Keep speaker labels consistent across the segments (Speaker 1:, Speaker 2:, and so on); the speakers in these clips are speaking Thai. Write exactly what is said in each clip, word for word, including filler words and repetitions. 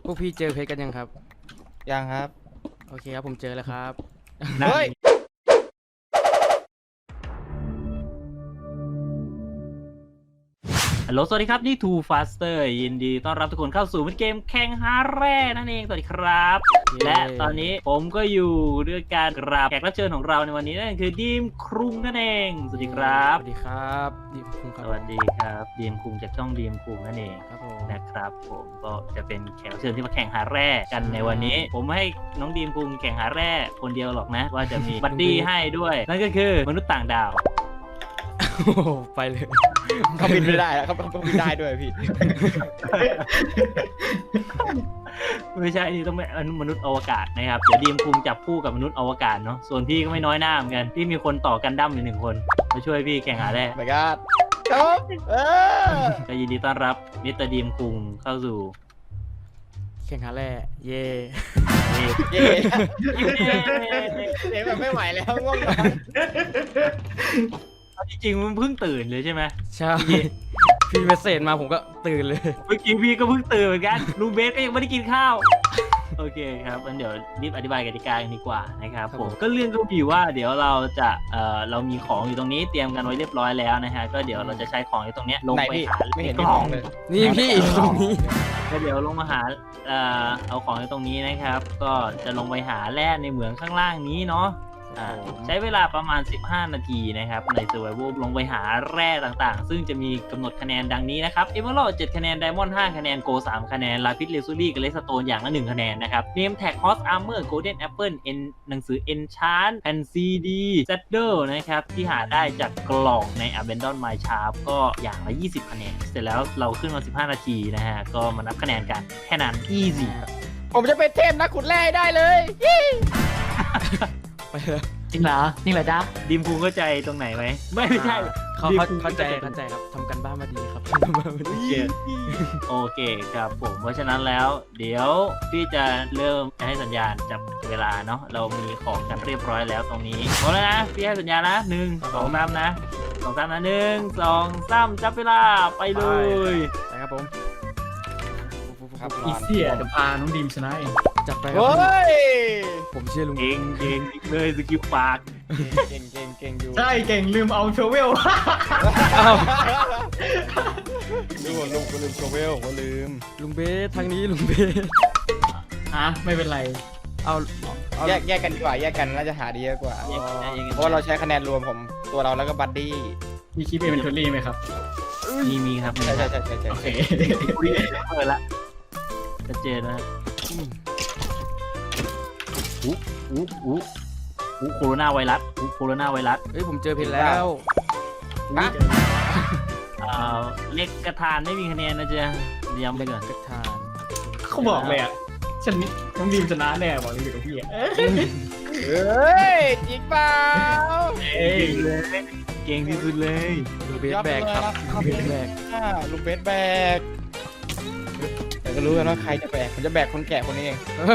Speaker 1: วกพี่เจอเพชรกันยังครับ
Speaker 2: ยังครับ
Speaker 1: โอเคครับผมเจอแล้วครับ
Speaker 2: เฮ้ย
Speaker 3: ฮัลโหลสวัสดีครับนี่ Too Faster ยินดีต้อนรับทุกคนเข้าสู่เกมแข่งหาแร่นั่นเองสวัสดีครับและตอนนี้ผมก็อยู่ด้วยการกราบแขกรับเชิญของเราในวันนี้นั่นคือดีมครุงนั่นเองสวัสดีครับ
Speaker 1: สวัสดีครับดีมครุงครับ
Speaker 3: สวัสดีครับดีมครุงจากช่องดีมครุงนั่นเอง
Speaker 1: ครับผม
Speaker 3: นะครับผมก็จะเป็นแขกรับเชิญที่มาแข่งหาแร่กันในวันนี้ผมไม่ให้น้องดีมครุงแข่งหาแร่คนเดียวหรอกนะว่าจะมีบัดดี้ให้ด้วยนั่นก็คือมนุษย์ต่างดาว
Speaker 1: ไปเลย
Speaker 2: เขาบินไม่ได้แล้วเขาเขาบินได้ด้วยพี่
Speaker 3: ไม่ใช่นี่ต้องเป็นมนุษย์อวกาศนะครับเดี๋ยวดีมคุงจับคู่กับมนุษย์อวกาศเนาะส่วนพี่ก็ไม่น้อยหน้าเหมือนกันพี่มีคนต่อกันดั้มอยู่หนึ่งคนมาช่วยพี่แข่งหาแร่
Speaker 2: ไปกันครับเออ
Speaker 3: ก็ยินดีต้อนรับมิสเตอร์ดีมคุงเข้าสู่
Speaker 1: แข่งหาแร่เย่
Speaker 2: เย่เย่เย่แบบไม่ไหวแล้วง่วงนอน
Speaker 3: จริงๆมันเพิ่งตื่นเลยใช่ไหม
Speaker 1: ใช่พี่เมสเซจมาผมก็ตื่นเลย
Speaker 3: เมื่อกี้พี่ก็เพิ่งตื่นเหมือนกันลุงเบสก็ยังไม่ได้กินข้าวโอเคครับงั้นเดี๋ยวรีบอธิบายกติกากันดีกว่านะครับผมก็เรื่องก็มีว่าเดี๋ยวเราจะเอ่อเรามีของอยู่ตรงนี้เตรียมกันไว้เรียบร้อยแล้วนะฮะก็เดี๋ยวเราจะใช้ของอยู่ตรงนี้ลงไปหา
Speaker 2: ไม่เห็น
Speaker 3: กล่อง
Speaker 2: เลย
Speaker 1: นี่พี่ตรงนี้
Speaker 3: ก็เดี๋ยวลงมาหาเอ่อเอาของอยู่ตรงนี้นะครับก็จะลงไปหาแร่ในเหมืองข้างล่างนี้เนาะใช้เวลาประมาณสิบห้านาทีนะครับใน Survival ลงไปหาแร่ต่างๆซึ่งจะมีกำหนดคะแนนดังนี้นะครับ Emerald เจ็ดคะแนน Diamond ห้าคะแนน Gold สามคะแนน Lapis Lazuli กับ Redstone อย่างละหนึ่งคะแนนนะครับ Name Tag Horse Armor Golden Apple N หนังสือ Enchant แผ่น ซี ดี Saddle นะครับที่หาได้จากกล่องใน Abandon Mine Shaft ก็อย่างละยี่สิบคะแนนเสร็จแล้วเราขึ้นมาสิบห้านาทีนะฮะก็มานับคะแนนกันแค่นั้น easy
Speaker 2: ผมจะเป็นเทพนักขุดแร่ได้เลย
Speaker 1: ไปเลย
Speaker 3: จริงเหรอจริงเหรอจ๊ะดิมพูเข้าใจตรงไหนไหมไม่ไม่ใช่
Speaker 1: เขาเข้าใจเข้าใจครับทำกันบ้านมาดีครับ
Speaker 3: โอเคครับผมเพราะฉะนั้นแล้วเดี๋ยวพี่จะเริ่มให้สัญญาณจับเวลาเนาะเรามีของกันเรียบร้อยแล้วตรงนี้พร้อมแล้วนะพี่ให้สัญญาณนะหนึ่งสองสามนะสองสามนะหนึ่งสองสามจับเวลาไปเลย
Speaker 1: ไปครับผม
Speaker 3: ครับอีเสี่ยจะพาน้องดิมชนะเอง
Speaker 1: จับไป
Speaker 2: ครับ
Speaker 1: ผมเชื่อลุง
Speaker 3: เก่งเก่งเลยสกิลปาก
Speaker 2: เก่งเก่งเก่งอยู่
Speaker 4: ใช่เก่งลืมเอาโชเวล
Speaker 2: ลืมลุงก็ลืมโชเวลก็ลืม
Speaker 1: ลุงเบสทางนี้ลุงเบส
Speaker 4: อ่ะไม่เป็นไร
Speaker 1: เอา
Speaker 2: แยกแยกกันดีกว่าแยกกันน่าจะหาดีกว่าเพราะเราใช้คะแนนรวมผมตัวเราแล้วก็บัดดี้
Speaker 4: มีคลิปเป็นทัวรี่ไหมครับ
Speaker 3: มีมีครับ
Speaker 2: ใช่ใช่ใช่ใช่โอเค
Speaker 3: เปิดละชัดเจนนะอู้อู้อู้อู้โคโรนาไวรัสอู้โคโรนาไวรัส
Speaker 1: เฮ้ยผมเจอเพชรแล้ว
Speaker 2: ฮะ
Speaker 3: อ่าเล็กกระทานไม่มีคะแนนนะจ๊ะย้ำไปก่อน
Speaker 1: กระทาน
Speaker 4: เขาบอกเลยอ่ะฉันน้องดีมชนะแน่บอกเลยกับพี่
Speaker 2: เฮ้ยจริงเปล่า
Speaker 3: เก่งเลยเก่งที่สุดเลย
Speaker 1: ลุงเบสแบกครับลุงเบสแบก
Speaker 2: ลุงเบสแบกแต่ก็รู้กันว่าใครจะแบกผมจะแบกคนแก่คนนี้เอง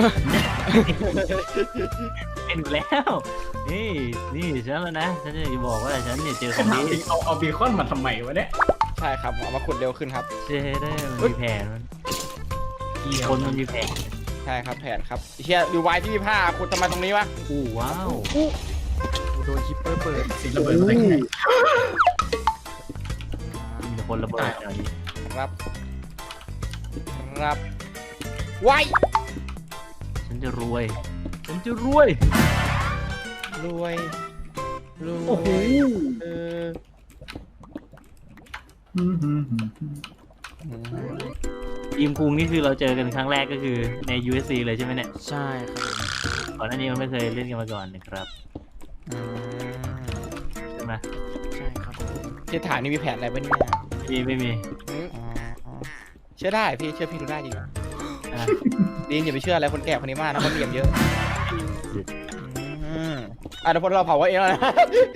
Speaker 3: เป็นแล้วนี่นี่ฉันแล้วนะฉันจะบอกว่าฉันเนี่ยเจอคนนี้
Speaker 4: เอาเอาบีคอนมาทำไมวะเนี่ย
Speaker 2: ใช่ครับเอามาขุดเร็วขึ้นครับ
Speaker 3: เจได้มันมีแผนมันคนมันมีแผน
Speaker 2: ใช่ครับแผนครับเชียดูไว้ที่มีผ้าขุดทำไมตรงนี้วะ
Speaker 3: อู้ว้าว
Speaker 1: โดนคิปเปอร์เปิด
Speaker 4: สิระเบิดได้ไง
Speaker 3: มีคนระเบิดอย่างนี้
Speaker 2: ครับครับไว้
Speaker 3: ฉันจะรวยฉันจะรวย
Speaker 2: รวยรวย
Speaker 3: โอ้โห
Speaker 2: เออ
Speaker 3: ทีมคุงนี่คือเราเจอกันครั้งแรกก็คือใน ยู เอส ซี เลยใช่ไหมเนี่ย
Speaker 1: ใช่ครับ
Speaker 3: ก่อนหน้านี้มันไม่เคยเล่นกันมาก่อนนะครับใช่ไหม
Speaker 1: ใช่ครับ
Speaker 2: ที่ฐานนี่มีแผนอะไรบ้างเนี่ย
Speaker 3: มีไม่มี
Speaker 2: เชื่อได้พี่เชื่อพี่ดูได้จริงดีนอย่าไปเชื่ออะไรคนแก่คนนี้มากนะคนเหลี่ยมเยอะอ่ะเดี๋ยวพอเราเผาไว้เองนะ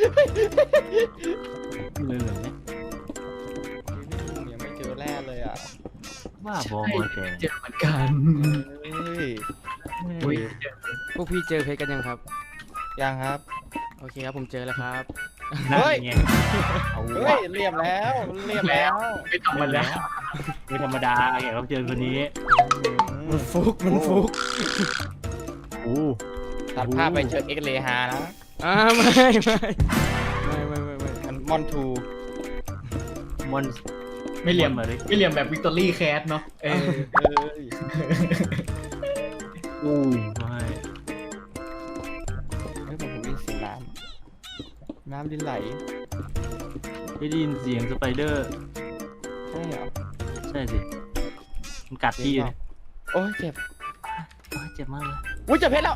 Speaker 3: เลยเหรอเนี่ย
Speaker 2: ยังไม่เจอแร่เลยอ่ะ
Speaker 3: ว่าบอล
Speaker 4: เจอเหมือนกัน
Speaker 1: พวกพี่เจอเพชรกันยังครับ
Speaker 2: ยังครับ
Speaker 1: โอเคครับผมเจอแล้วครับ
Speaker 2: เฮ้ยเฮ้ยเรียบแล้วเรียบแล้ว
Speaker 4: ไม่ธรรมดา
Speaker 3: ไม่ธรรมดาแขกรับเชิญคนนี้
Speaker 1: มันฟุกมันฟุก
Speaker 3: โอ้
Speaker 2: ตัดภาพไปเจอเอ็กเลฮานะ
Speaker 1: อ่าไม่ไม่ไม่ไม่ไม่ไม่
Speaker 2: มันมอนทู
Speaker 3: มอน
Speaker 4: ไม่เหลี่ยม
Speaker 3: มาเลย
Speaker 4: ไม่เหลี่ยมแบบวิกตอรี่แคสเนาะเออ
Speaker 2: เอ้ย
Speaker 3: อู้ไม่
Speaker 2: เฮ้ยผมได้ยินเสียงน้ำน้ำดินไหล
Speaker 3: ได้ยินเสียงสไปเดอร์
Speaker 2: ใช่เหรอ
Speaker 3: ใช่สิมันกัดพี่อยู่เนี่ย
Speaker 2: โอ้ยเจ็บ
Speaker 3: โอ้ยเจ็บมากเลย
Speaker 2: อุ้ยเจ็บเพชรแล้ว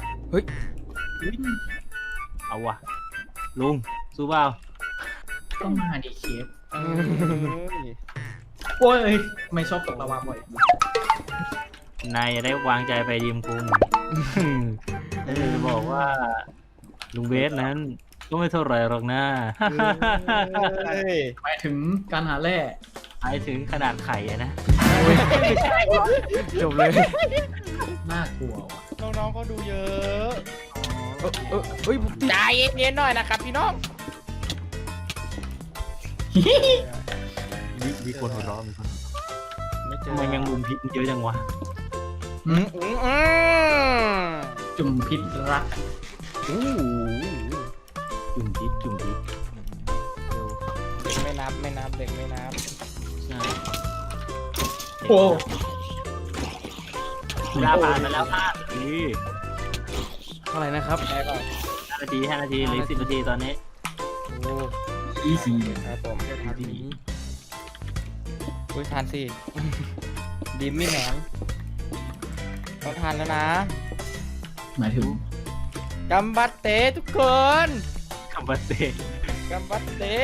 Speaker 3: เอาว่ะลุงสู้เปล่า
Speaker 4: ต้องมาดีเคฟ
Speaker 2: เอ้ย
Speaker 4: โอ้ยไม่ชอบตกระวาบ่อย
Speaker 3: นายอย่าได้วางใจไปดีมคุงเออจะบอกว่าลุงเบสนั้นก็ไม่เท่าไหรหรอกนะ
Speaker 2: เฮ้ย
Speaker 4: หมายถึงการหาแร่
Speaker 3: หมายถึงขนาดไข่อะนะ
Speaker 2: ไม่ใช่วะ
Speaker 1: จบเลย
Speaker 4: น่ากลัวว่ะ
Speaker 2: น้องๆเขาดูเยอะ
Speaker 1: เออเออเฮ้ยผมติด
Speaker 2: ใจเย็นๆหน่อยนะครับพี่น้อง
Speaker 3: มีมีคนหัวเราะมีคนหัวเราะ
Speaker 2: ไม่เจ
Speaker 3: ทำ
Speaker 2: อ
Speaker 3: ไมแมงมุมพิษมันเยอะจังวะ
Speaker 2: อืมอืมอืม
Speaker 4: จุ่มพิษรัก
Speaker 3: อู้จุ่มพิษจุ่มพิษ
Speaker 2: เด็กไม่นับไม่นับเด็กไม่นับ
Speaker 3: ใช่
Speaker 4: โอ้
Speaker 3: เวลาผ่านมาแล้วห้านาที
Speaker 1: เท่าไหร่นะครับ
Speaker 2: ได้เปล่า
Speaker 3: ห้านาทีห้านาทีเหลือสิบนาทีตอนนี้
Speaker 1: โอ้
Speaker 4: อีซี
Speaker 2: ครับผม
Speaker 1: จะทำนี้
Speaker 2: อุ้ยทานสิดิมมี่แหนมต้องทานแล้วนะ
Speaker 4: หมายถึง
Speaker 2: กัมบัตเตทุกคน
Speaker 3: คำว่าเตะ
Speaker 2: กัมบัตเต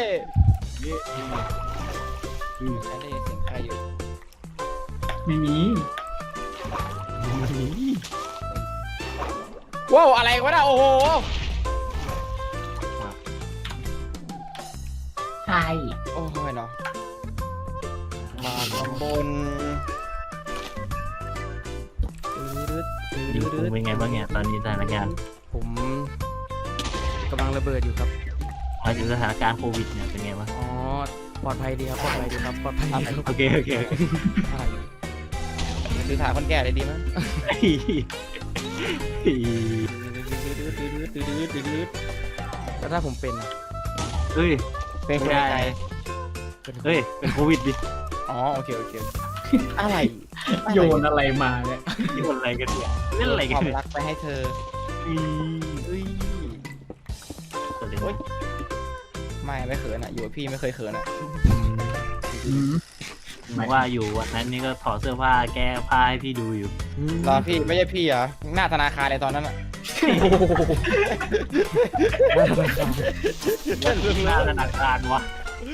Speaker 3: อืม
Speaker 2: ฉันได้ยินเสียงใครอยู่
Speaker 4: ไม่มี
Speaker 2: ว้าวอะไรวะน่ะโอ้โห
Speaker 4: ใช่
Speaker 2: โอ้ยเนาะมาตำบล
Speaker 3: ดิวคุงเป็นไงบ้างเนี่ยตอนนี้สถานการณ์
Speaker 1: ผมกำลังระเบิดอยู่ครับ
Speaker 3: หมายถึงสถานการณ์โควิดเนี่ยเป็นไงบ้าง
Speaker 1: อ๋อปลอดภัยดีครับปลอดภัยดีครับปลอดภัยดีครับ
Speaker 3: โอเคโอเคโอเค
Speaker 1: อะไร
Speaker 2: สื่อสารคนแก่ได้ดีมั้ย
Speaker 1: แล้วถ้าผมเป็นอะ
Speaker 3: เฮ้ย
Speaker 2: เป็นคนไทย
Speaker 1: เป็น
Speaker 3: เฮ้ยเป็นโควิดดิ
Speaker 2: อ๋อโอเคโอเคอะไร
Speaker 4: โยนอะไรมาเนี่ย
Speaker 3: นี่มันอะไรกันเนี่ยเล่นอะไรกัน
Speaker 2: ความ
Speaker 3: เนี่ย
Speaker 2: รักไปให้เธอ
Speaker 3: อืม
Speaker 2: เอ้ย
Speaker 3: เกิดอะไร
Speaker 2: โอ๊ย
Speaker 3: ขึ้น
Speaker 2: ไม่ไม่เขินอ่ะอยู่กับพี่ไม่เคยเขินอ่ะ
Speaker 4: อืม
Speaker 3: ผมว่าอยู่วันนั้นนี่ก็ถอดเสื้อผ้าแก้ผ้าให้พี่ดูอยู่
Speaker 2: รอพี่ไม่ใช่พี่เหรอหน้าธนาคารเลยตอนนั้นอ่ะ
Speaker 3: หน้าธนาคารวะ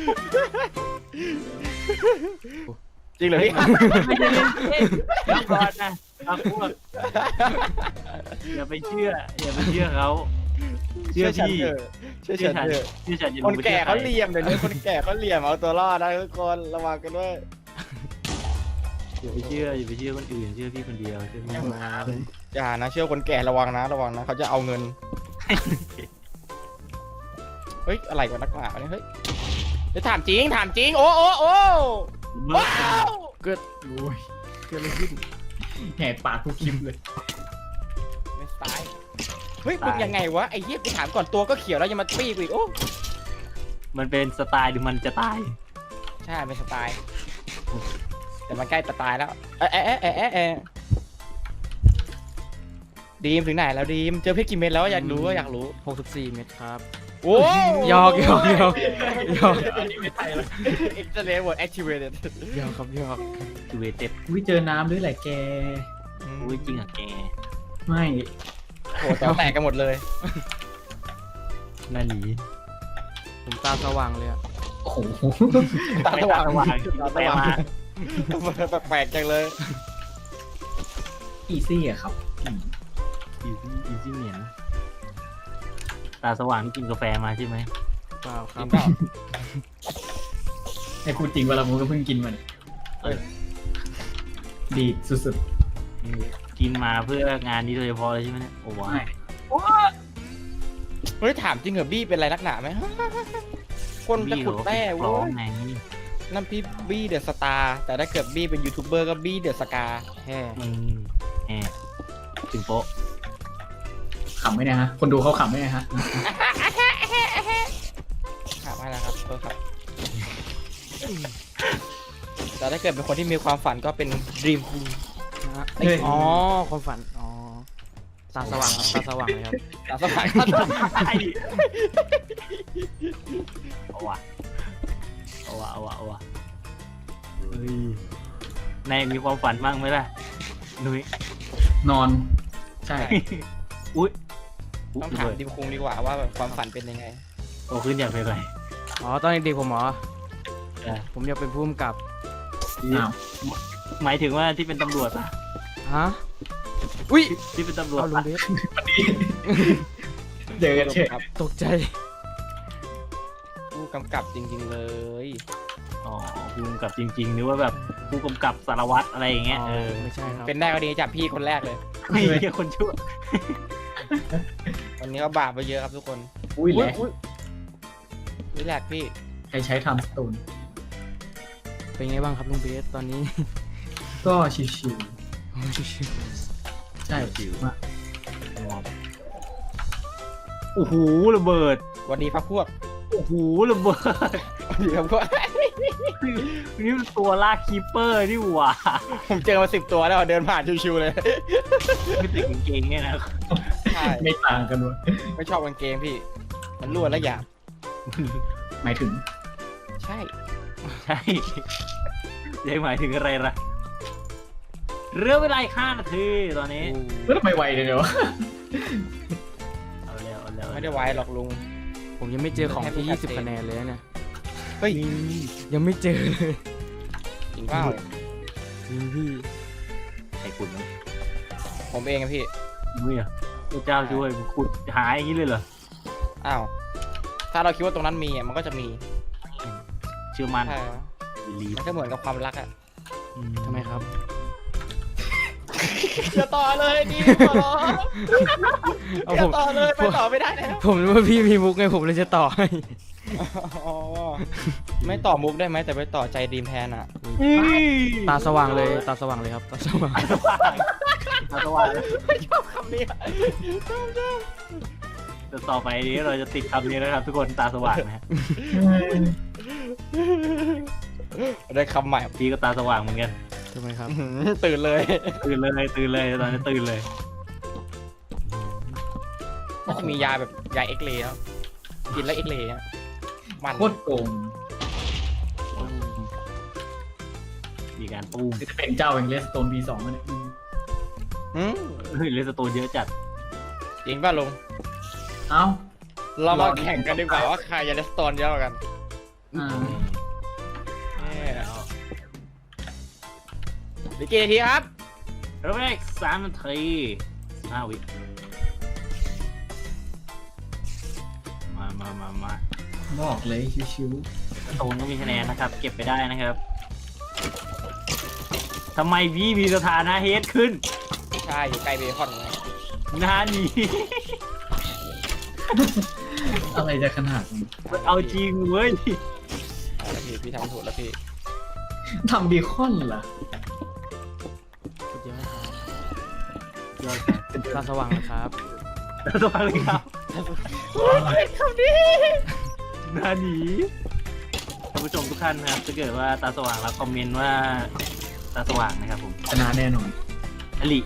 Speaker 2: จริงเหรอพี่
Speaker 3: ไม่ใช่เล่นเล่นเดี๋ยวก่อนนะเอาพวกอย่าไปเชื่ออย่าไปเชื่อเขาเชื่อ
Speaker 2: ฉัน
Speaker 3: พี่
Speaker 2: เถอะเชื่อฉันเถอะ
Speaker 3: เชื่อฉันอย่า
Speaker 2: คน
Speaker 3: ไป
Speaker 2: แก่
Speaker 3: ชื่อใร
Speaker 2: เขาเหลี่ยมเดี๋ยวนี้คนแก่เขาเหลี่ยมเอาตัวรอดนะทุกคนระวังกันด้วย
Speaker 3: อย่าไปเชื่ออย่าไปเชื่อคนอื่นเชื่อพี่คนเดียวเชื่อพี่
Speaker 2: อย่านะเชื่อคนแก่ระวังนะระวังนะเขาจะเอาเงินเฮ้ยอะไรกันนักหนาวะเนี่ยเฮ้ยจะถามจริงถามจริงโอ้โอ้โอ้
Speaker 3: เบิร์
Speaker 2: ว้า
Speaker 3: ด
Speaker 2: ว
Speaker 1: เกิด
Speaker 4: โอ้ย
Speaker 1: เกิดอะไรขึ้น
Speaker 4: แหกปากทุกคลิปเลย
Speaker 2: ไม่ตายเฮ้ยมึงยังไงวะไอ้เหี้ยกูถามก่อนตัวก็เขียวแล้วยังมาปี้กูอีกโอ้
Speaker 3: มันเป็นสไตล์หรือมันจะตาย
Speaker 2: ใช่เป็นสไตล์แต่มันใกล้จะตายแล้วเอ๊ะเอ๊ะเอ๊ะเอ๊ะเอ๊ะดีมถึงไหนแล้วดีมเจอเพชรกี่เม็ดแล้วอยากรู้อยากรู้
Speaker 1: หกสิบสี่เมตรครับ
Speaker 2: โอ้
Speaker 1: หยอกหยอกหยอกหยอก
Speaker 4: อันนี้ไม่ไทยแล้ว
Speaker 2: เอ็กซ์เลเวอร์แอคทีเวเต็ด
Speaker 1: หยอกครับหยอก
Speaker 3: จูเวเต็บ
Speaker 4: อุ้ยเจอน้ำด้วยแหละแก
Speaker 3: อุ้ยจริงอ่ะแก
Speaker 4: ไม่
Speaker 2: โหตอแตกกันหมดเลย
Speaker 3: น่าหนี
Speaker 1: ผมตาสว่างเลยอะ
Speaker 4: โอ้โห
Speaker 2: ตาสว่าง
Speaker 3: ตาสว่าง
Speaker 2: ตาสว่างแปลกๆจังเลย
Speaker 4: อีซี่อะครับอืม
Speaker 3: อีซี่อีซี่เหนียนตาสว่างที่กินกาแฟมาใช่ไหม
Speaker 1: เปล่าค
Speaker 2: จ
Speaker 1: รั
Speaker 2: ริ
Speaker 1: บ
Speaker 2: งเปล่า
Speaker 4: ให้พูดจริงเวลาผมก็เพิ่งกินมัน
Speaker 3: เออ
Speaker 4: ดีสุด
Speaker 3: กินมาเพื่องานนี้โดยเฉพาะเลยใช่ไหมเนี่ยโอ้
Speaker 4: ๆ
Speaker 3: ว้า
Speaker 4: ไม่
Speaker 2: เฮ้ยถามจริงเหรอบี้เป็นอะไรนักหนาไหมคนจะขุดแร่
Speaker 3: ร้
Speaker 2: เว้
Speaker 3: อง
Speaker 2: ย
Speaker 3: ไง
Speaker 2: นั่นพี่บี้เดอะสตาร์แต่ถ้าเกิดบี้เป็นยูทูบเบอร์ก็บี้เดอะสกา
Speaker 1: แฮ่
Speaker 3: อืมแหมถึงโป๊ะ
Speaker 4: ขำไหมเนี่ยฮะ คนดูเขาขำไหมเนี่ยฮะ
Speaker 2: ครับไม่แล้วครับเออครับแต่ถ้าเกิดเป็นคนที่มีความฝันก็เป็นดีม
Speaker 1: นะฮะ
Speaker 4: เฮ้ย
Speaker 1: อ๋อความฝันอ๋อตาสว่างครับตาสว่างเลยครับ
Speaker 2: ตามสบาย
Speaker 3: เอาวะเอาวะเอาวะเอาวะเฮ้ยนายมีความฝันบ้างไหมล่ะนุ้ย
Speaker 4: นอน ใช่
Speaker 3: อุ้ย
Speaker 2: ต้องถามดิมคุงดีกว่าว่าแบบความฝันเป็นยังไง
Speaker 3: โตขึ้นอยากเป็นอะไร
Speaker 1: อ๋อตอนเด็กๆผมเหรอ
Speaker 3: เออ
Speaker 1: ผมอยากเป็นผู้กำกับ
Speaker 4: อ้าว
Speaker 3: หมายถึงว่าที่เป็นตำรวจปะ
Speaker 1: ฮะอุ้ย
Speaker 3: ที่เป็นตำรวจ
Speaker 1: เอาลุง
Speaker 3: ปะ
Speaker 1: เบส
Speaker 4: วันนี้เจอกันเฉย
Speaker 2: ครับ
Speaker 1: ตกใจ
Speaker 2: ผู้กำกับจริง ๆเลย
Speaker 3: อ๋อผู้กำกับจริงๆหรือว่าแบบผู้กำกับสารวัตรอะไรอย่างเงี้ย
Speaker 1: อ๋อ
Speaker 3: เออ
Speaker 1: ไม่ใช่ครับ
Speaker 2: เป็นได้ก็ดีจับพี่คนแรกเลย
Speaker 3: ไม่ใช่คนชั่ว
Speaker 2: วันนี้ก็บาปไปเยอะครับทุกคน
Speaker 4: อุ้ยแหละ
Speaker 2: นี่แหละพี่
Speaker 4: ใครใช้ทำสตูน
Speaker 1: เป็นไงบ้างครับลุงเบสตอนนี้
Speaker 4: ก็ชิวๆใช่ชิวมาก
Speaker 3: โอ้โหระเบิด
Speaker 2: วันนี้พักพวก
Speaker 3: โอ้โหระเบิด
Speaker 2: วันนี้พักพวก
Speaker 3: นี่มันตัวลากคีปเปอร์นี่หว่า
Speaker 2: ผมเจอมาสิบตัวแล้วเดินผ่านชิวๆเลย
Speaker 3: ไม่ติดกางเกงเนี่ยนะ
Speaker 2: ใช่
Speaker 4: ไม่ต่างกันเลย
Speaker 2: ไม่ชอบกางเกงพี่ มันรั่วและหยาบ
Speaker 4: หมายถึง
Speaker 2: ใช่
Speaker 3: ใช่ยังหมายถึงอะไรล่ะเหลือเวลาอีกห้านาทีตอนนี้
Speaker 4: แล้วทำไมไวเลยเดี๋ยว
Speaker 3: เอาเร็วเอาเร็ว
Speaker 2: ไม่ได้ไว้หรอกลุง
Speaker 1: ผมยังไม่เจอของที่ยี่สิบคะแนนเลยนะเนี่ย
Speaker 2: เฮ้ย
Speaker 1: ยังไม่เจอเลย
Speaker 2: จริงเปล่า
Speaker 1: จริงพี่
Speaker 3: ไอ้คุณนี่
Speaker 2: ผมเองอะพี่
Speaker 3: มึงอ่ะพระเจ้าช่วยมึงขุดหาอย่างนี้เลยเหรอ
Speaker 2: อ้าว ถ้าเราคิดว่าตรงนั้นมีอะมันก็จะมี
Speaker 3: เชื่อมั่น
Speaker 2: ใช่
Speaker 3: บีลีฟ
Speaker 2: มันก็เหมือนกับความรักอะ
Speaker 1: ทำไมครับ
Speaker 2: อย่าต่อเลยดิขอร้อง
Speaker 1: เอา
Speaker 2: อย่า
Speaker 1: ผม
Speaker 2: ต่อเลยไปต่อไม่ได้แล้ว
Speaker 1: ผมรู้ว่าพี่มีมุกไงผมเลยจะต่อให้
Speaker 2: อ๋อไม่ต่อมุกได้ไหมแต่ไปต่อใจดีมแทนอะ
Speaker 1: ตาสว่างเลยตาสว่างเลยครับตาสว่าง
Speaker 3: ตาสว่าง
Speaker 2: ไม่ชอบคำนี้
Speaker 3: แต่ต่อไปนี้เราจะติดคำนี้นะครับทุกคนตาสว่างนะฮะ
Speaker 2: ได้คำใหม่
Speaker 3: พี่ก็ตาสว่างเหมือนกัน
Speaker 1: ทำไมครับ
Speaker 2: อื้อหือตื่นเลย
Speaker 3: ตื่นเลยตื่นเลยตอนนี้ตื่นเลย
Speaker 2: น่าจะมียาแบบยาเอ็กเลย์แล้วกินแล้วเอ็กเลย์อะมัน
Speaker 4: โคตรโกง
Speaker 3: มีการตูม
Speaker 4: นี่จะเป็นเจ้าแห่งเลสโตน บี สองแล้วเนี่ย
Speaker 2: หืม
Speaker 3: เฮ้ยเลสโตนเยอะจัด
Speaker 2: จริงป่ะลุง
Speaker 4: เอ้า
Speaker 2: เรามาแข่งกันดีกว่าว่าใครจะได้สโตนเยอะกว่ากัน
Speaker 4: อ่า
Speaker 2: เนี่ยดีกี่นาทีครับ
Speaker 3: เราไปอีกสามนาทีสิบห้าวิมามามามา
Speaker 4: บอกเลยชิว
Speaker 3: โตนก็มีคะแนนนะครับ เก็บไปได้นะครับทำไมพี่มีสถานะเฮดขึ้น
Speaker 2: ใช่อยู่ใกล้เบคอนไง
Speaker 3: หน้านี้
Speaker 4: ๆอะไรจะขนาดนี้
Speaker 3: เอาจริงเว้ย
Speaker 2: เอาละพี่พี่ทำถูกแล้วพี่
Speaker 4: ทำบีคอนเหรอ
Speaker 1: สุดยอดครับ
Speaker 3: ยอดครับ
Speaker 1: ตาสว่างนะครับ
Speaker 3: แล้วตัวอะไรครับ
Speaker 2: โอ้ยคำนี้
Speaker 3: หน้านี้ท่านผู้ชมทุกท่านนะครับถ้าเกิดว่าตาสว่างแล้วคอมเมนต์ว่าตาสว่างนะครับผม
Speaker 4: ชนะแน่นอน
Speaker 3: อลิ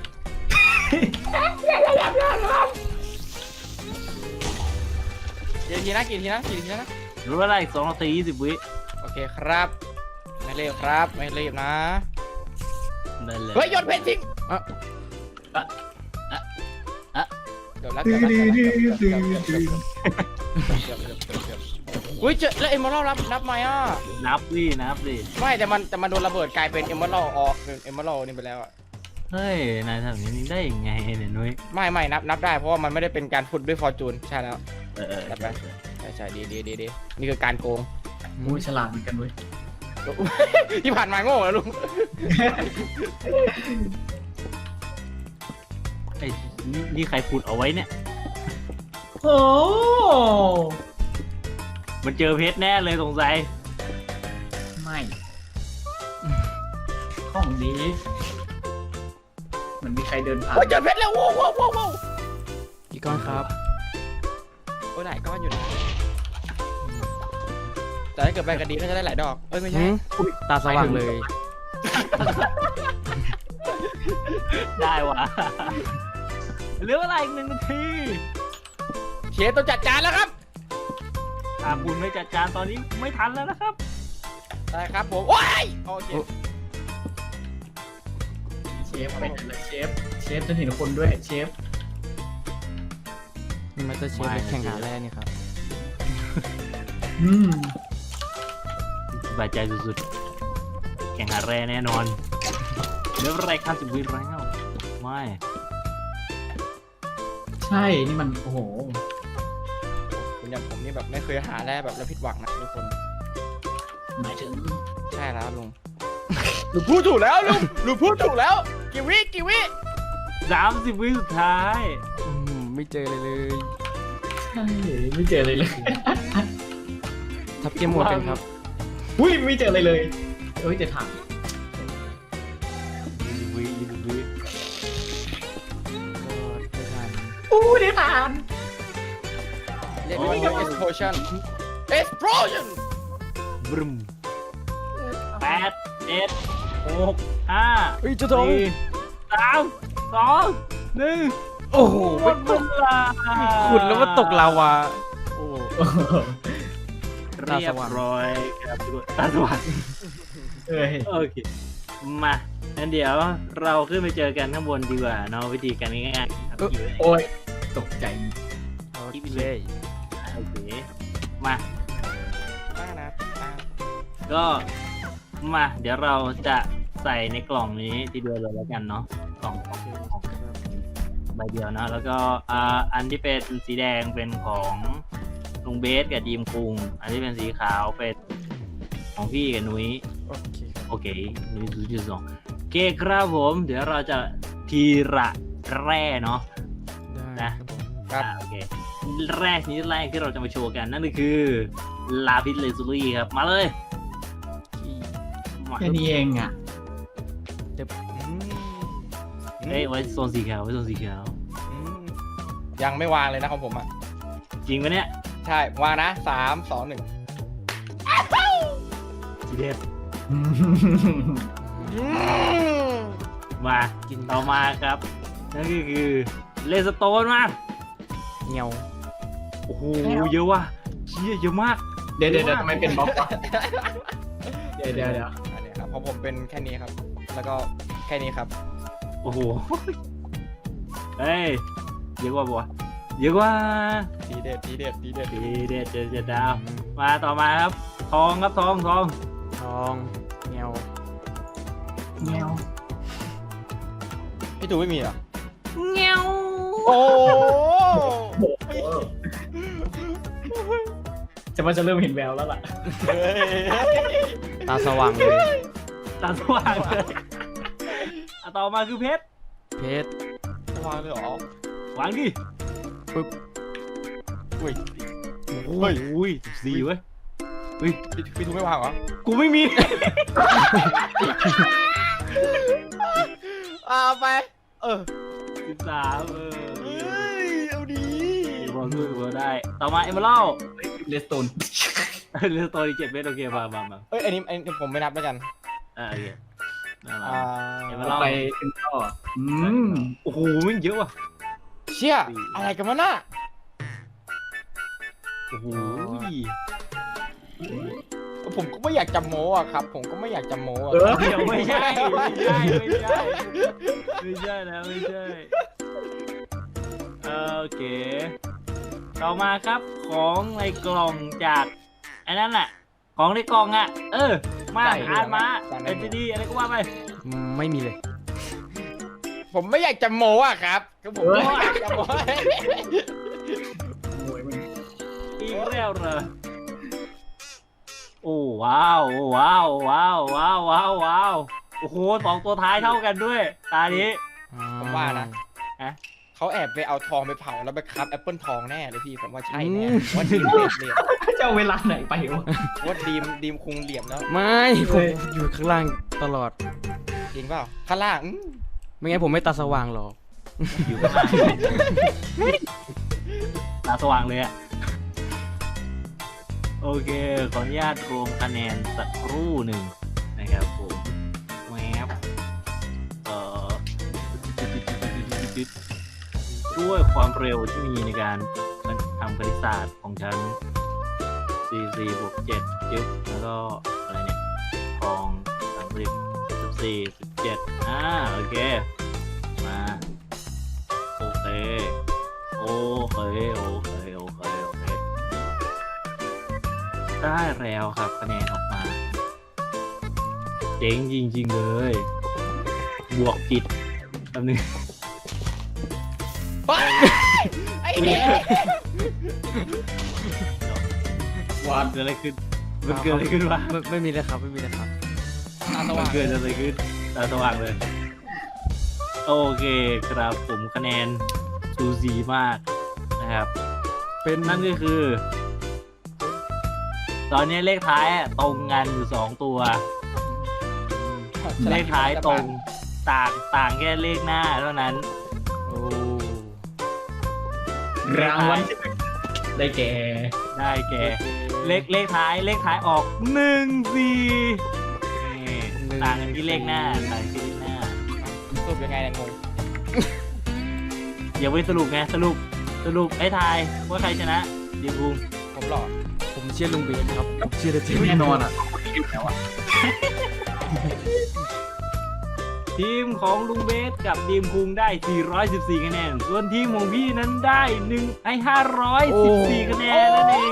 Speaker 2: กี่ทีนะกี่ทีนะกี่ทีนะ
Speaker 3: รู้ว่าอะไรอีกสองนาทียี่สิบวิ
Speaker 2: โอเคครับ ไม่เรีบครับไม่รีบนะ
Speaker 3: ได้เลย
Speaker 2: เฮ้ยโยนเพชรทิ้ง
Speaker 1: อ่ะ
Speaker 3: อ่ะอ่ะอ่ะ
Speaker 2: เดี๋ยวแล้วเดี๋ยวแล้วเดี๋ยวแล้วเดี๋ยวแล้วเดี๋ยวแล้วเดี๋ยวแล้วเดี๋ยวแล้วเดี๋ยวแล้วเดี๋ยวแล้วเดี๋ยวแล้วอุ้ยเจอแล้วเอ็มเมอรัลรับนับไหมอ่ะ
Speaker 3: นับดินับดิ
Speaker 2: ไม่แต่มันแต่มันโดนระเบิดกลายเป็นเอ็มเมอรัลออกเป็นเอ็มเมอรัลนี่ไปแล้วอ่ะ
Speaker 3: เฮ้ยนายทำอย่างนี้ได้ยังไงเนี่ยนุ้ย
Speaker 2: ไม่ไม่นับนับได้เพราะว่ามันไม่ได้เป็นการฟุตด้วยฟอร์จูนใช่แล้ว
Speaker 3: เออเออ
Speaker 2: นับไปใช่ใช่ดีดีดีดีนี่คือการโกง
Speaker 4: มูฉลาดเหมือนกันเว้ย
Speaker 2: ที่ผ่านมาโง่แล้วลุง
Speaker 3: ไอ้นี่นี่ใครพูดเอาไว้เนี่ย
Speaker 4: โอ้
Speaker 3: มันเจอเพชรแน่เลยสงสัย
Speaker 4: ไม่ดีเหมือนมีใครเดินผ่าน
Speaker 2: โอ้ยเจอเพชรแล้วโว้วโว้วโว้วโว้ว
Speaker 1: กี่ก้อนครับ
Speaker 2: โอ้ยหลายก้อนอยู่นะแต่ถ้าเกิดแบงกันดีก็จะได้หลายดอกเอ้ยไม่ใช่
Speaker 1: หืมตาสว่างเลย
Speaker 3: ได้วะเหลือเวลาอีกหนึ่งนาที
Speaker 2: เชฟต้องจัดจานแล้วครับ
Speaker 3: ถ้าคุณไม่จัดจานตอนนี้ไม่ทันแล้วนะครับ
Speaker 2: ได้ครับผมโอ้ยโอเค
Speaker 4: เชฟเป็นอะไรเชฟเชฟจะเห็นคนด้วยเชฟ
Speaker 1: นี่มันจะเชฟไปแข่งหาแร่นี่ครับ
Speaker 4: อืม
Speaker 3: สบายใจสุดๆ แข่งหาแร่แน่นอนเหลืออะไรข้ามสิบวิแล้วไม่
Speaker 4: ใช่นี่มันโอ้โห
Speaker 2: คุณอย่างผมนี่แบบไม่เคยหาแร่แบบแล้วผิดหวังนะทุกคน
Speaker 4: หมายถึง
Speaker 2: ใช่แล้วลุงลุงพูดถูกแล้วลุงลุงพูดถูกแล้วกี่วิกี่วิ
Speaker 3: สามสิบวิสุดท้าย
Speaker 1: อืมไม่เจอเลยเลย
Speaker 4: ใช่ไม่เจออะไรเลย
Speaker 1: ทับเกมโหมดกันครับ
Speaker 4: อุ้ยไม่เจออะไรเลยเอ้ยจะถาม
Speaker 3: ยี่สิบวิยี่สิบวิ
Speaker 1: ก็ไม่ทัน
Speaker 4: อู้ได้ผ่าน
Speaker 2: เรียกได้ว่า explosion explosion
Speaker 3: บรึมแปดเจ็ดหกห้า
Speaker 1: เฮ้ยเจะทง
Speaker 3: สี่สามสองหนึ่ง
Speaker 1: โอ้โห
Speaker 3: หมดเวลา
Speaker 1: ขุดแล้วมันตกลาวาโอ้
Speaker 4: โอ้โห
Speaker 3: เรียบร้อยครับทุกคนตาสว่าง
Speaker 4: เอ้ย
Speaker 3: โอเค มางั้นเดี๋ยวเราขึ้นไปเจอกันข้างบนดีกว่าเนาะวิธีการง่ายๆครับอยู่เลย
Speaker 4: โอ้ยตกใจ
Speaker 1: โอเค
Speaker 3: โอเค มา
Speaker 2: มากนะอ่า
Speaker 3: ก็มา เดี๋ยวเราจะใส่ในกล่องนี้ทีเดียวเลยแล้วกันเนาะกล่องของของใบเดียวนะแล้วก็อ่าอันที่เป็นสีแดงเป็นของลุงเบสกับดีมคุงอันที่เป็นสีขาวเป็นของพี่กับนุ้ย
Speaker 2: โอเคครับ
Speaker 3: โอเคนุ้ยจุดสองโอเคครับผม เดี๋ยวเราจะทีละแร่เนาะ
Speaker 1: ได้
Speaker 3: นะ
Speaker 2: ครับ
Speaker 3: อ่าโอเคแรกนี้แรกที่เราจะมาโชว์กันนั่นก็คือลาพิสเลซูรี่ครับมาเลยมา
Speaker 4: แค่นี้เองอ่ะ
Speaker 2: อืม
Speaker 3: เอ้ยไว้โซนสีขาวไว้โซนสีขาว
Speaker 2: อืมยังไม่วางเลยนะของผมอ่ะ
Speaker 3: จริงปะเนี่ย
Speaker 2: ใช่วางนะสามสองหนึ่ง
Speaker 3: สีเด็ด
Speaker 2: อืม
Speaker 3: มา
Speaker 1: กิน
Speaker 3: ต่อมาครับนั่นก็คือเลสโตนมา
Speaker 1: เงียว
Speaker 3: โอ้โหเยอะว่ะเชี่ยเยอะมาก
Speaker 4: เดี๋ยวเดี๋ยวเดี๋ยวทำไมเป็นบล็อกวะเดี๋ยวเดี๋ยวเดี๋ยว
Speaker 2: อันนี้ครับของผมเป็นแค่นี้ครับ แล้วก็แค่นี้ครับ
Speaker 3: โอ้โหเฮ้ยเยอะกว่าบัวเยอะกว่า
Speaker 2: ทีเด็ดทีเด็ดทีเด็ด
Speaker 3: ดีเด็ดเด็ดเด็ดดาวมาต่อมาครับทองครับทองทอง
Speaker 1: ทองเงียว
Speaker 4: แมว
Speaker 2: พี่ตูไม่มีเหรอ
Speaker 3: เงี้ยว
Speaker 2: โอ้
Speaker 4: จะว่าจะเริ่มเห็นแววแล้วล่ะ
Speaker 2: เฮ้ย
Speaker 1: ตาสว่างเลย
Speaker 3: ตาสว่างเลยอ่ะต่อมาคือเพชร
Speaker 1: เพชร
Speaker 2: วางเลยเหรอ
Speaker 3: วางดิ
Speaker 1: ปึ๊บ
Speaker 2: อุ้ย
Speaker 3: โอ้ยอุ้ยสี่เว้ย
Speaker 2: พี่พี่ตูไม่วางเหรอ
Speaker 3: กูไม่มี
Speaker 2: เอาไป เออ
Speaker 3: สิบสามเออ
Speaker 2: เฮ้ยเอาดี
Speaker 3: บอลสู้บอลได้ ต่อมาเอเมอรัล
Speaker 4: เลสโตน
Speaker 3: เรื่องตัวนี้เจ็ดเมตรโอเคมามามา
Speaker 2: เอ้ยอันนี้อันนี้ผมไม่นับแล้วกัน
Speaker 3: อ่าโอเคมามา
Speaker 2: อ่า
Speaker 3: เดี๋ยวมาเล่า
Speaker 4: ไปขึ้นต่ออืม
Speaker 3: โอ้โหมันเยอะว่ะ
Speaker 2: เชี่ยอะไรกันวะน่ะ
Speaker 3: โอ้โห
Speaker 2: ผมก็ไม่อยากจำโม้อะครับ ผมก็ไม่อยากจำโม้อะ
Speaker 4: เออ
Speaker 3: เดี๋ยวไม่ใช่ไม่ใช่ไม่ใช่ไม่ใช่นะไม่ใช่โอเค ต่อมาครับของในกล่องจากไอ้นั่นแหละของในกล่องอ่ะ เออ มาอ่านมาเอ็นจีดีอะไรก็ว่าไป
Speaker 1: ไม่มีเลย
Speaker 2: ผมไม่อยากจำโม้อะครับคือผมไม่อยากจำโม้
Speaker 4: โอ้ยมัน
Speaker 3: อีกแล้วเหรอโอ้ว้าวโอ้ว้าวว้าวว้าวว้าวว้าวโอ้โหสองตัวท้ายเท่ากันด้วย ตานี้
Speaker 2: ผมว่านะ
Speaker 3: ฮะ
Speaker 2: เขาแอบไปเอาทองไปเผาแล้วไปคับแอปเปิลทองแน่เลยพี่ผมว่าใช่
Speaker 1: อื
Speaker 2: แน่
Speaker 1: ม
Speaker 2: ว่าดีมเหลี่ยมเหลี่ยม
Speaker 4: จะเอาเวลาไหนไปวะ
Speaker 2: ว่าดีมดีมคุงเหลี่ยมแล้ว
Speaker 1: ไม่ผมอยู่ข้างล่างตลอด
Speaker 2: จริงเปล่าข้างล่างอื้อ
Speaker 1: ไม่งั้นผมไม่ตาสว่างหรอก
Speaker 3: อยู่ข้างล่างตาสว่างเลยอะโอเคขออนุญาตรวมคะแนนสักครู่หนึ่งนะครับผมแวบเอ่อด้วยความเร็วที่มีในการทำคณิตศาสตร์ของฉันสี่สี่บวกเจ็ดจึ๊บแล้วก็อะไรเนี่ยทองสามสิบสิบสี่สิบเจ็ดอ่าโอเคมาโอเคโอเคโอเคโอเคโอเคได้แล้วครับคะแนนออกมาเจ๋งจริงๆเลยบวกผิดแป๊บนึง
Speaker 2: ว้ายไอ้เหี้ย
Speaker 4: วัด
Speaker 3: เกิดอะไรขึ้นมันเกิดอะไรขึ้นวะ
Speaker 1: ไม่ไม่มีเลยครับไม่มีเลยครับ
Speaker 2: ตาส
Speaker 3: มั
Speaker 2: ว่าน ง
Speaker 3: เกิดอะไรขึ้นตาสว่างเลยโอเคครับผมคะแนนซูซีมากนะครับ
Speaker 1: เป็น
Speaker 3: นั่นก็คือ ตอนนี้เลขท้ายอะตรงกันอยู่สองตัว เลขท้ายตรงต่างต่างแค่เลขหน้าเท่านั้น
Speaker 1: โอ้
Speaker 4: รางวัลที่หนึ่งได้แก่
Speaker 3: ได้แก่เลขเลขท้ายเลขท้ายออกหนึ่งสี่ต่างกันที่เลขหน้าต่างกันที่เลขหน้า
Speaker 2: สรุปยังไงเนี่ยงง
Speaker 3: อย่าไปสรุปไงสรุปสรุปให้ทายว่าใครชนะดีบุง
Speaker 2: ผมหล่อ
Speaker 1: ผมเชื่อลุงเบสครับผมเชื่อเลยจริง
Speaker 4: แน่นอนอ่ะคนที่อยู่แล้วอ่ะ
Speaker 3: ทีมของลุงเบสกับทีมคุงได้สี่ร้อยสิบสี่คะแนนส่วนทีมของพี่นั้นได้หนึ่งไอ้ห้าร้อยสิบสี่คะแนนนั่นเอง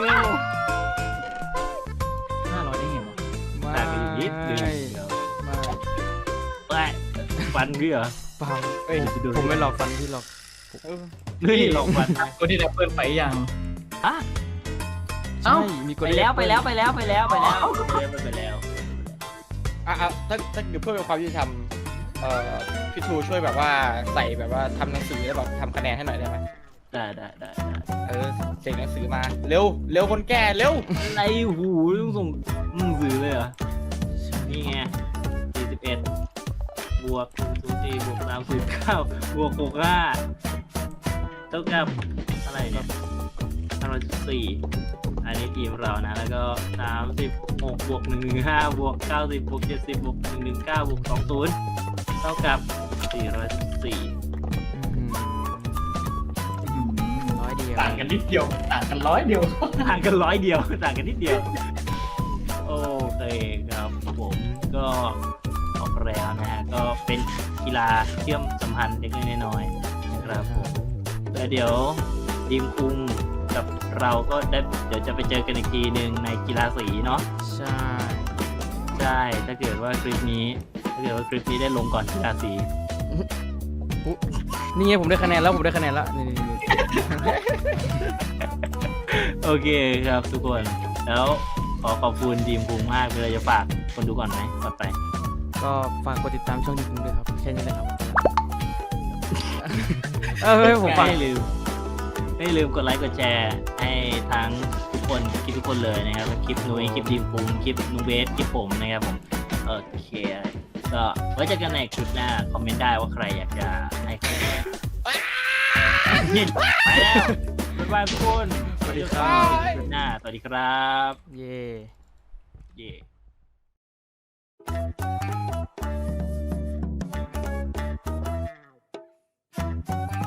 Speaker 4: ห้าร้อยได้ไงวะ
Speaker 1: ไม่
Speaker 3: ต่างกันอยู่นิดเดียว
Speaker 1: ไม่
Speaker 3: ไปฟันพี่เหรอ
Speaker 1: เปล่า
Speaker 2: เอ้ย
Speaker 1: ผมผมไม่หลอกฟันพี่หรอก
Speaker 2: เออ
Speaker 3: นี่หลอกฟัน
Speaker 4: คนที่ได้เปิดไปยัง
Speaker 3: ฮะ
Speaker 1: ใช่มีก
Speaker 3: ไป
Speaker 1: ด
Speaker 3: แล้วไปแล้วไปแล้วไปแล้วไปแล้วไปแล้วไปแล้ว
Speaker 2: อ่ะอ่ะถ้าถ้าเดี๋ยวเพื่อเป็นความยุติธรรมเอ่อพี่ทูช่วยแบบว่าใส่แบบว่าทำหนังสือแล้วแบบทำคะแนนให้หน่อยได้ไหม
Speaker 3: ได้ได้ได้ได้
Speaker 2: เออเสกหนังสือมาเร็วเร็วคนแก่เร็ว
Speaker 3: อะไรหูต้องส่งหนังสือเลยเหรอนี่ไงสี่สิบเอ็ดบวกศูนย์สี่บวกสามสิบเก้าบวกหกห้าเท่ากับอะไรเนี่ยห้าร้อยสิบสี่อันนี้ทีมเรานะแล้วก็สามสิบหกบวกหนึ่งหนึ่งห้าบวกเก้าสิบบวกเจ็ดสิบบวกหนึ่งหนึ่งเก้าบวกสองศูนย์เท่ากับสี่ร้อยสิบสี่
Speaker 1: ร้อยเดียว
Speaker 4: ต่างกันนิดเดียวต่างกันร้อยเดียว
Speaker 3: ต่างกันร้อยเดียวต่างกันนิดเดียวโอเคครับผมก็ออกแล้วนะฮะก็เป็นกีฬาเชื่อมสัมพันธ์เล็กๆน้อยๆนะครับผมแล้วเดี๋ยวทีมคุงกับเราก็ได้เดี๋ยวจะไปเจอกันอีกทีหนึ่งในกีฬาสีเนาะ
Speaker 1: ใช่
Speaker 3: ใช่ถ้าเกิดว่าคลิปนี้ถ้าเกิดว่าคลิปนี้ได้ลงก่อนกีฬาสี
Speaker 1: นี่ไงผมได้คะแนนแล้วผมได้คะแนนแล้วนี่นี่นี่
Speaker 3: โอเคครับทุกคนแล้วขอขอบคุณทีมคุงมากเลยจะฝากคนดูก่อนไหมก่อนไป
Speaker 1: ก็ฝากกดติดตามช่องดีคุงด้วยครับแค่นี้เลยครับเออให้ผมฝาก
Speaker 3: ไม่ลืมไม่ลืมกดไลค์กดแชร์ให้ทั้งทุกคนคลิปทุกคนเลยนะครับคลิปนุ้ยคลิปดีมปุงคลิปนูเบสคลิปผมนะครับผมโอเคก็ไว้เจอกันในคลิปหน้าคอมเมนต์ได้ว่าใครอยากจะให้ใครยินไปแล้วบ๊ายบายทุกคน
Speaker 1: สวัสดีครับ
Speaker 3: คลิปหน้าสวัสดีครับ
Speaker 1: เย่
Speaker 3: เย่
Speaker 2: เ